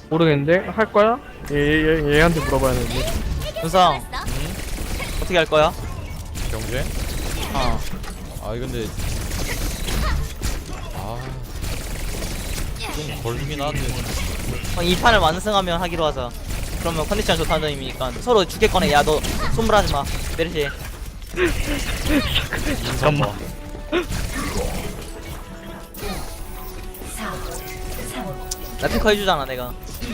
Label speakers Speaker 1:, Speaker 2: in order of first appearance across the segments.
Speaker 1: 모르겠는데? 할 거야? 얘한테 물어봐야 되는데.
Speaker 2: 윤상 어떻게 할 거야?
Speaker 3: 경제?
Speaker 2: 어.
Speaker 3: 아 근데 좀 걸리긴 하는데.
Speaker 2: 이 판을 완승하면 하기로 하자. 그러면 컨디션 좋다는 의미니까 서로 죽겠거나. 야 너 손불하지마 메르시.
Speaker 1: 잠깐만.
Speaker 2: 나 탱커 해주잖아 내가.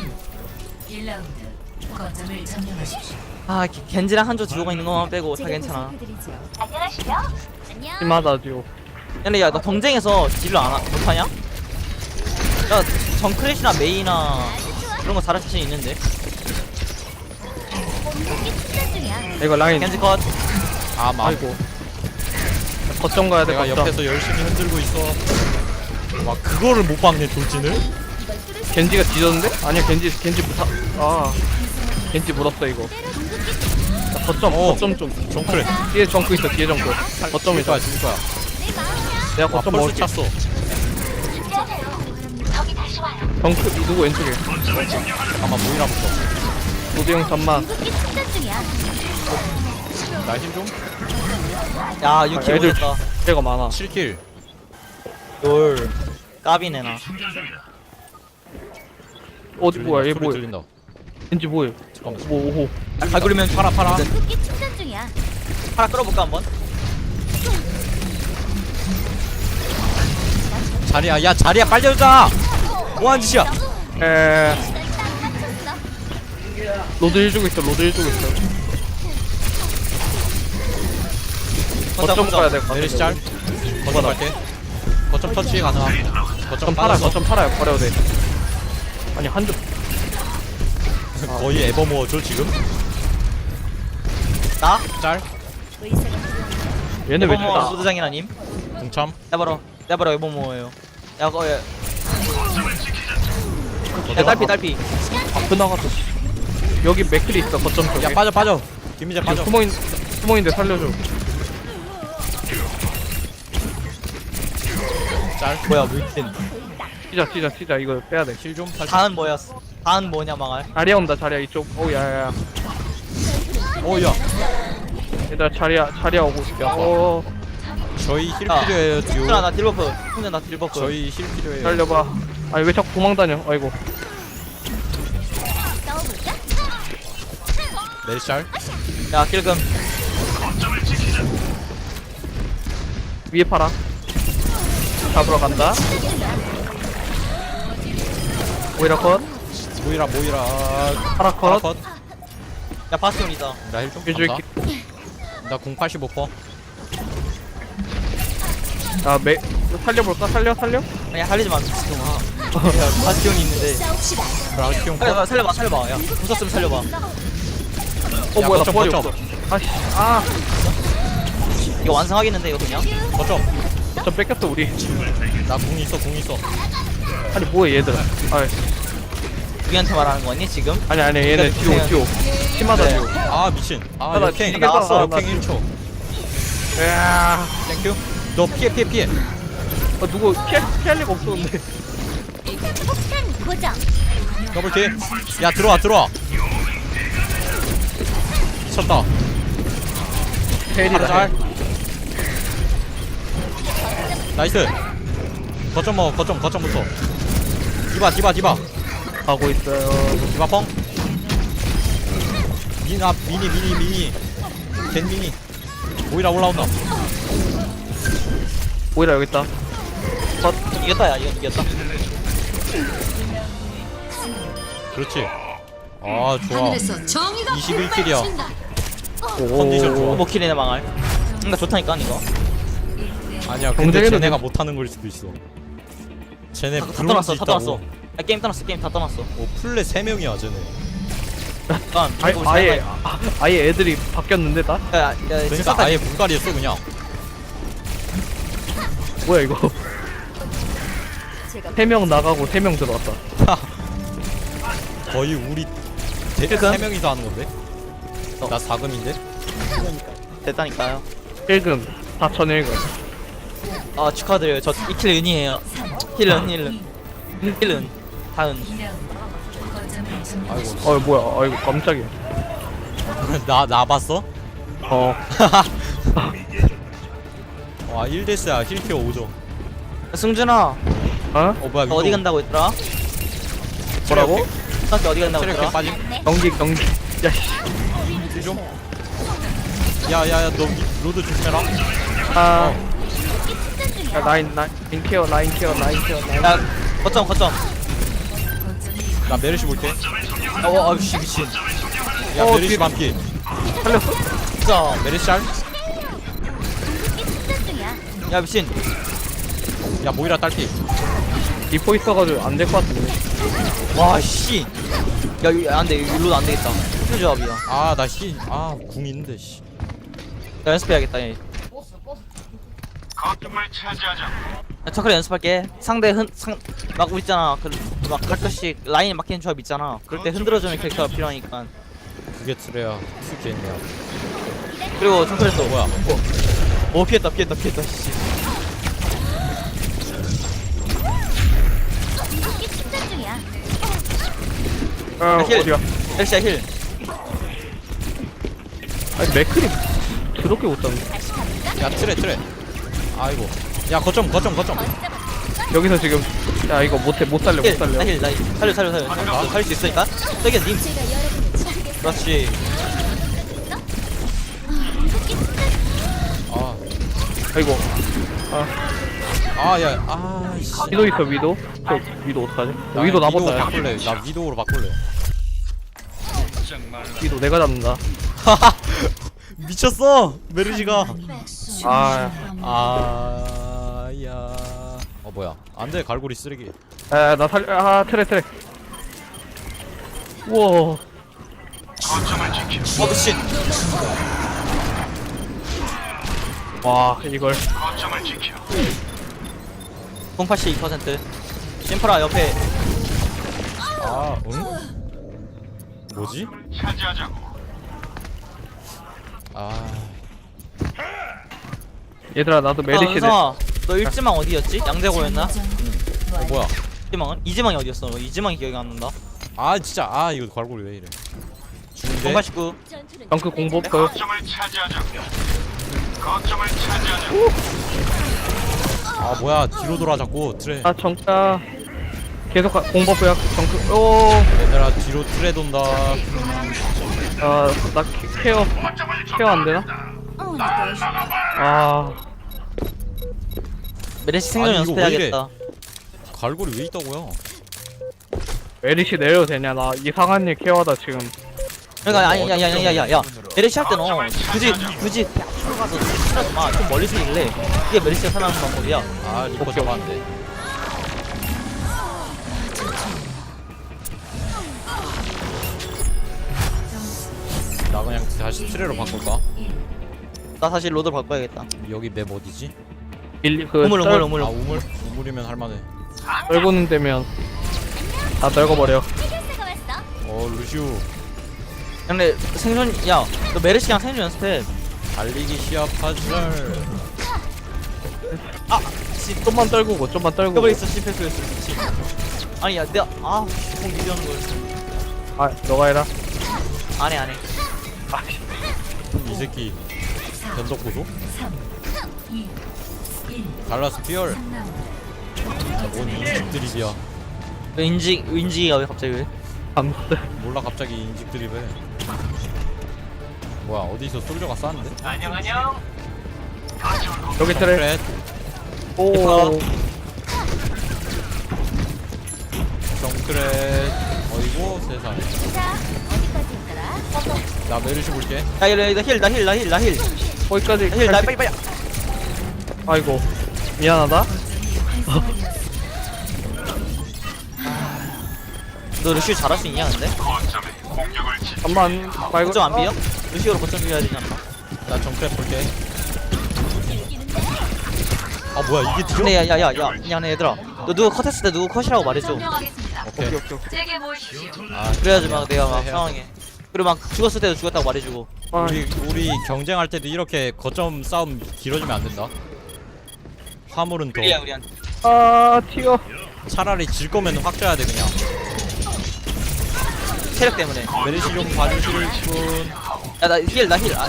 Speaker 4: 1라운드 거점을 점령하십시오.
Speaker 2: 아 겐지랑 한조 듀오가 있는 것만 빼고 다 괜찮아.
Speaker 5: 안녕하시죠? 안녕.
Speaker 1: 심하다 듀오.
Speaker 2: 근데 야너 경쟁에서 딜을 못하냐? 야 정크래시나 메이나 그런 거 잘할 자신 있는데.
Speaker 5: 공격기 충전 중이야.
Speaker 1: 이거 라인.
Speaker 2: 겐지 컷.
Speaker 1: 아이고. 거점 가야 돼.
Speaker 3: 내가
Speaker 1: 거점.
Speaker 3: 옆에서 열심히 흔들고 있어. 막 그거를 못 박네 돌진을.
Speaker 1: 겐지가 뒤졌는데? 아니야 겐지 못하. 겐지 물었어 이거. 자, 거점 좀.
Speaker 3: 정크래.
Speaker 1: 뒤에 정크 있어. 뒤에 정크. 거점이
Speaker 3: 죽을 거야 죽을 거야.
Speaker 1: 내가
Speaker 3: 아
Speaker 1: 거점
Speaker 3: 펄스
Speaker 1: 먹을게.
Speaker 3: 찼어.
Speaker 5: 저기 다시 와요.
Speaker 1: 정크 누구 왼쪽에?
Speaker 3: 아마 모이라부터.
Speaker 1: 노대형 잠만.
Speaker 5: 공격기 충전 중이야.
Speaker 3: 나 힘 좀.
Speaker 2: 야 유키
Speaker 1: 애들
Speaker 2: 오졌다.
Speaker 1: 애가 많아.
Speaker 3: 7킬.
Speaker 2: 롤 까비네 나.
Speaker 1: 어디 뭐야? 얘
Speaker 3: 소리
Speaker 1: 뭐야?
Speaker 3: 들린다.
Speaker 1: 겐지 뭐야?
Speaker 3: 잠깐만.
Speaker 1: 뭐 오호.
Speaker 2: 갈구리면 팔아.
Speaker 5: 공격기 충전 중이야.
Speaker 2: 팔아 끌어볼까 한번?
Speaker 3: 자리야 야 자리야 빨리 오자. 뭐하는 짓이야?
Speaker 1: 에
Speaker 5: 딱 맞췄어.
Speaker 1: 로드 1 주고 있어. 로드 1 주고 있어. 거점 가야 될 것 같아.
Speaker 3: 내리시 짤. 거점 갈게. 거점 터치 가능함. 거점
Speaker 1: 거점 팔아.
Speaker 3: 빠졌어.
Speaker 1: 거점 팔아요. 버려도 돼. 아니 한줄
Speaker 3: 거의 에버모어죠 지금.
Speaker 2: 나?
Speaker 3: 짤.
Speaker 1: 얘네 왜
Speaker 2: 에버모
Speaker 1: 죽나?
Speaker 2: 소드장이라님.
Speaker 3: 동참.
Speaker 2: 내버려 에버모예요. 야 야 딸피.
Speaker 1: 앞에 나갔어. 여기 맥클이 있어. 거점 쪽에.
Speaker 3: 야 빠져. 김민재 빠져.
Speaker 1: 수모인데 살려줘.
Speaker 3: 짤.
Speaker 2: 뭐야 물진.
Speaker 1: 튀자. 이거 빼야 돼.
Speaker 3: 힐 좀 살짝.
Speaker 2: 다은 뭐였어? 다은 뭐냐 망할.
Speaker 1: 자리야 온다. 자리야 이쪽. 오 야야야.
Speaker 3: 오야.
Speaker 1: 얘들아 자리야 오고 있어.
Speaker 3: 저희 힐
Speaker 2: 야.
Speaker 3: 필요해요 듀오.
Speaker 2: 훈아 나 딜버프. 훈아 나 딜버프.
Speaker 3: 저희 힐 필요해요.
Speaker 1: 살려봐. 아니 왜 자꾸 도망다녀? 아이고.
Speaker 5: 싸워볼까?
Speaker 3: 내리시 짤.
Speaker 2: 야 길금.
Speaker 1: 위에 팔아. 잡으러 간다. 오이라 컷.
Speaker 3: 모이라.
Speaker 1: 파라 컷.
Speaker 3: 컷.
Speaker 2: 야 바스온이다.
Speaker 3: 나 힐 좀.
Speaker 1: 일주일
Speaker 3: 간다. 나 085%.
Speaker 1: 살려볼까? 살려?
Speaker 2: 아니 살리지 마 미친놈아. 야 바스온이 있는데.
Speaker 5: 싸웁시다.
Speaker 3: 라키용 컷.
Speaker 2: 살려봐. 야 무섭으면 살려봐.
Speaker 1: 뭐야 나
Speaker 3: 거점,
Speaker 1: 부활이
Speaker 3: 거점.
Speaker 1: 없어.
Speaker 2: 이거 완성하겠는데 이거 그냥?
Speaker 3: 거점.
Speaker 1: 저 뺏겼어 우리.
Speaker 3: 나 궁 있어.
Speaker 1: 아니 뭐야 얘들아.
Speaker 2: 우리한테 말하는 거니 지금?
Speaker 1: 아니 얘네 뒤로. 심하다
Speaker 2: 네.
Speaker 1: 뒤로.
Speaker 3: 아 미친. 아
Speaker 1: 나
Speaker 3: 역행.
Speaker 1: 지금 나왔어.
Speaker 3: 역행 1초.
Speaker 1: 야,
Speaker 3: 땡큐. 너 피해.
Speaker 1: 누구 피할 리가 없었는데.
Speaker 5: 폭탄 고정.
Speaker 3: 더블 킬. 야 들어와. 미쳤다.
Speaker 1: 헬이다.
Speaker 3: 짤. 나이스. 거점 먹어. 거점부터. 디바.
Speaker 1: 가고 있어요.
Speaker 3: 디바 펑. 미니. 겐 미니. 오이라 올라온다.
Speaker 1: 오이라 여기 있다.
Speaker 2: 이겼다 야 이겼다.
Speaker 3: 그렇지. 아 좋아.
Speaker 4: 하늘에서 정의가
Speaker 3: 21킬이야.
Speaker 4: 빗발친다.
Speaker 3: 컨디션 좋아.
Speaker 2: 오버킬이네 망할. 나 좋다니까 이거.
Speaker 3: 아니야. 근데
Speaker 1: 경쟁에는
Speaker 3: 쟤네가 못하는 걸 수도 있어. 쟤네
Speaker 2: 다
Speaker 3: 부러울
Speaker 2: 떠났어.
Speaker 3: 수
Speaker 2: 다
Speaker 3: 있다고.
Speaker 2: 떠났어. 야 게임 다 떠났어.
Speaker 3: 오 플레 3명이야 쟤네.
Speaker 2: 잠깐.
Speaker 1: 아예 애들이 바뀌었는데 다?
Speaker 2: 야
Speaker 3: 그러니까 아예 물갈이 했어 그냥.
Speaker 1: 뭐야 이거? 3명 나가고 3명 들어왔다.
Speaker 3: 거의 우리
Speaker 2: 그러니까?
Speaker 3: 3명이서 하는 건데? 나 4금인데?
Speaker 2: 됐다니까요.
Speaker 1: 1금 4,001금.
Speaker 2: 아 축하드려요. 저 2킬 은이에요. 힐은 다은.
Speaker 4: 2라운드 거점을
Speaker 3: 아이고
Speaker 1: 어 뭐야 아이고 깜짝이야.
Speaker 3: 나 봤어?
Speaker 1: 어
Speaker 3: 와 1대스야 힐케어 5점.
Speaker 2: 승준아
Speaker 1: 어?
Speaker 3: 뭐야
Speaker 2: 너 어디 간다고 했더라?
Speaker 1: 뭐라고?
Speaker 2: 중학교 어디 간다고
Speaker 3: 체력에
Speaker 2: 했더라?
Speaker 3: 빠짐.
Speaker 1: 경기 야씨.
Speaker 3: 좀. 야야야 너 로드 조심해라.
Speaker 1: 아
Speaker 5: 충전 중이야.
Speaker 1: 야, 라인 케어.
Speaker 2: 야 거점
Speaker 3: 나 메르시 볼게.
Speaker 2: 아우씨 미친
Speaker 3: 야 메르시
Speaker 1: 뒤에-
Speaker 3: 반피.
Speaker 1: 살렸어?
Speaker 2: 진짜
Speaker 3: 메르시 알?
Speaker 5: 충전 중이야.
Speaker 2: 야 미친
Speaker 3: 야 모이라 딸피.
Speaker 1: 리포 있어가지고 안 될 것 같은데.
Speaker 2: 와씨 야 이거 안돼 일로도 안되겠다 힐 조합이야
Speaker 3: 궁 있는데 씨.
Speaker 2: 나 연습해야겠다 얘. 야, 차크리 연습할게. 상대 막 우리 있잖아. 막 가끔씩 라인 막히는 조합 있잖아. 그럴 때 흔들어주는 캐릭터가 필요하니까.
Speaker 3: 그게 트레야. 투게임이야.
Speaker 2: 그리고 차크리 또
Speaker 3: 뭐야?
Speaker 2: 오 피했다. 씨.
Speaker 5: 충전 중이야.
Speaker 1: 어
Speaker 2: 힐.
Speaker 1: 어디야?
Speaker 2: 헬시야 힐.
Speaker 1: 아니 맥크리 드럽게 못 잡네.
Speaker 5: 다시 가볼까?
Speaker 3: 야 트레. 아이고. 야 거점.
Speaker 1: 여기서 지금 야 이거 못 살려.
Speaker 2: 힐. 나 힐. 살려. 살릴 수 있으니까. 저기 님.
Speaker 5: 제가 여러분을 지키겠습니다.
Speaker 2: 그렇지.
Speaker 3: 아.
Speaker 1: 아이고
Speaker 3: 씨.
Speaker 1: 위도 있어 위도. 저 위도 어떡하지?
Speaker 3: 나
Speaker 1: 위도
Speaker 3: 위도우
Speaker 1: 나보다.
Speaker 3: 바꿀래. 나 위도우로 바꿀래.
Speaker 1: 위도 내가 잡는다.
Speaker 3: 미쳤어. 메르시가.
Speaker 1: 아.
Speaker 3: 야. 뭐야? 안돼 갈고리 쓰레기.
Speaker 1: 나 살려. 트레. 우와.
Speaker 2: 미친.
Speaker 1: 와 이걸.
Speaker 2: 082%. 심프라 옆에.
Speaker 3: 응? 뭐지?
Speaker 1: 얘들아 나도 메리시네.
Speaker 2: 은성아, 너 일지망 어디였지? 양재고였나?
Speaker 3: 뭐야?
Speaker 2: 이지망은? 이지망이 어디였어? 너 이지망이 기억이 안 난다.
Speaker 3: 진짜 이거 갈고리 왜 이래? 죽는데?
Speaker 2: 089.
Speaker 5: 전투는
Speaker 1: 덩크 공부 없어요.
Speaker 3: 뭐야 뒤로 돌아 자꾸 트레.
Speaker 1: 아 정자. 계속 공법이야 정크. 오.
Speaker 3: 얘들아 뒤로 트레 돈다.
Speaker 1: 나 케어 안 되나? 아
Speaker 2: 메르시 생존
Speaker 3: 아니, 이거 왜 이래?
Speaker 2: 연습해야겠다.
Speaker 3: 갈고리 왜 있다고요?
Speaker 1: 메리시 내려도 되냐? 나 이상한 일 케어하다 지금.
Speaker 2: 그러니까 야야야야야야 메르시 할 때는 굳이 앞으로 가서 치라지 마. 좀 멀리서 일래. 그게 메르시가 살아나는 방법이야.
Speaker 3: 리퍼 잡았는데. 나 그냥 다시 트레로 바꿀까?
Speaker 2: 나 사실 로드 바꿔야겠다.
Speaker 3: 여기 맵 어디지?
Speaker 2: 우물.
Speaker 3: 우물이면 할만해.
Speaker 1: 떨고는 되면 다 떨궈버려.
Speaker 5: 해결사가 왔어.
Speaker 3: 루시우
Speaker 2: 근데 생존 너 메르시랑 생존 연습해.
Speaker 3: 달리기 시합하절.
Speaker 1: 좀만 떨구고.
Speaker 2: 더블 있어 실패했어 미친. 아니 야 내가 공 유리하는 걸.
Speaker 1: 아 너가 해라.
Speaker 2: 안해.
Speaker 3: 이 새끼 변덕 보소? 갈라스 피얼. 뭔 인직 드립이야.
Speaker 2: 인지가 왜 갑자기 왜?
Speaker 1: 암스.
Speaker 3: 몰라 갑자기 인직 드립에. 뭐야 어디서 솔저가 쐈는데?
Speaker 1: 여기 트레.
Speaker 3: 트레.
Speaker 1: 오.
Speaker 3: 정크렛. 어이구 세상에.
Speaker 5: 자, 어디까지 있더라?
Speaker 3: 나 메르시 볼게.
Speaker 2: 나 힐.
Speaker 1: 거기까지.
Speaker 2: 나 빨리.
Speaker 1: 아이고 미안하다.
Speaker 2: 너 루시오 잘할 수 있냐 근데?
Speaker 1: 잠만 말고.
Speaker 2: 거점 안 비어? 루시오로 거점 비워야 되지 않나?
Speaker 3: 나 정크렛 볼게. 뭐야 이게 뒤져?
Speaker 2: 근데 야네 얘들아 너 누구 컷했을 때 누구 컷이라고 말해줘.
Speaker 3: 오케이.
Speaker 4: 제게 모이십시오.
Speaker 2: 그래야지 막 내가 막
Speaker 3: 해야
Speaker 2: 상황에 그리고 막 죽었을 때도 죽었다고 말해주고.
Speaker 1: 아,
Speaker 3: 우리 경쟁할 때도 이렇게 거점 싸움 길어지면 안 된다. 화물은 더
Speaker 2: 우리야 우리한테.
Speaker 1: 튀어.
Speaker 3: 차라리 질 거면 확 져야 돼 그냥.
Speaker 2: 체력 때문에.
Speaker 3: 메르시 좀 봐주실 분.
Speaker 2: 야나 힐.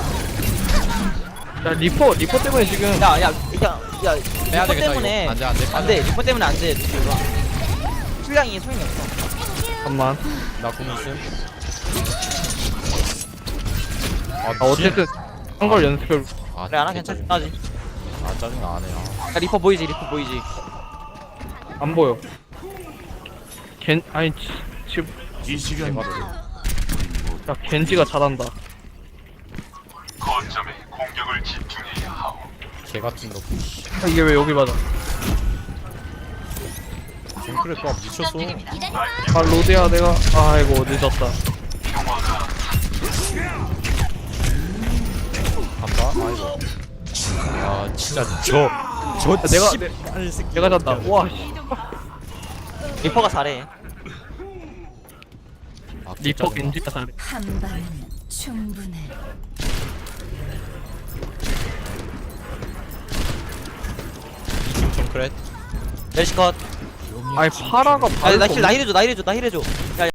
Speaker 1: 야 리퍼 때문에 지금
Speaker 2: 야
Speaker 3: 빼야
Speaker 2: 리퍼
Speaker 3: 되겠다,
Speaker 2: 때문에
Speaker 3: 이거. 안 돼,
Speaker 2: 안돼 리퍼 때문에 안돼 루시오가 힐량이 소용이 없어.
Speaker 1: 잠깐만.
Speaker 3: 나 공있음.
Speaker 1: 아 어쨌든 한 걸 연습해.
Speaker 3: 아,
Speaker 2: 그래 안하 괜찮지.
Speaker 3: 아 짜증나 안해.
Speaker 2: 야 리퍼 보이지.
Speaker 1: 안 보여. 아니 지금
Speaker 6: 이 시간
Speaker 1: 야 겐지가 잘한다.
Speaker 3: 개 같은 거.
Speaker 1: 아, 이게 왜 여기 맞아?
Speaker 3: 징크랩 봐 미쳤어.
Speaker 1: 아 로드야 내가 아이고 늦었다.
Speaker 3: 간다. 아이고. 아 진짜 저
Speaker 1: 내가-
Speaker 3: 씨발 새끼.
Speaker 1: 내가 졌다. 와 씨.
Speaker 2: 리퍼가 잘해.
Speaker 3: 아,
Speaker 1: 리퍼
Speaker 3: 짜증나.
Speaker 1: 겐지가 잘해.
Speaker 4: 한 방은 충분해.
Speaker 3: 이팀 징크랩.
Speaker 2: 멜시컷.
Speaker 1: 아니 파라가
Speaker 2: 나
Speaker 1: 바를 수
Speaker 2: 힐 나 힐해줘. 야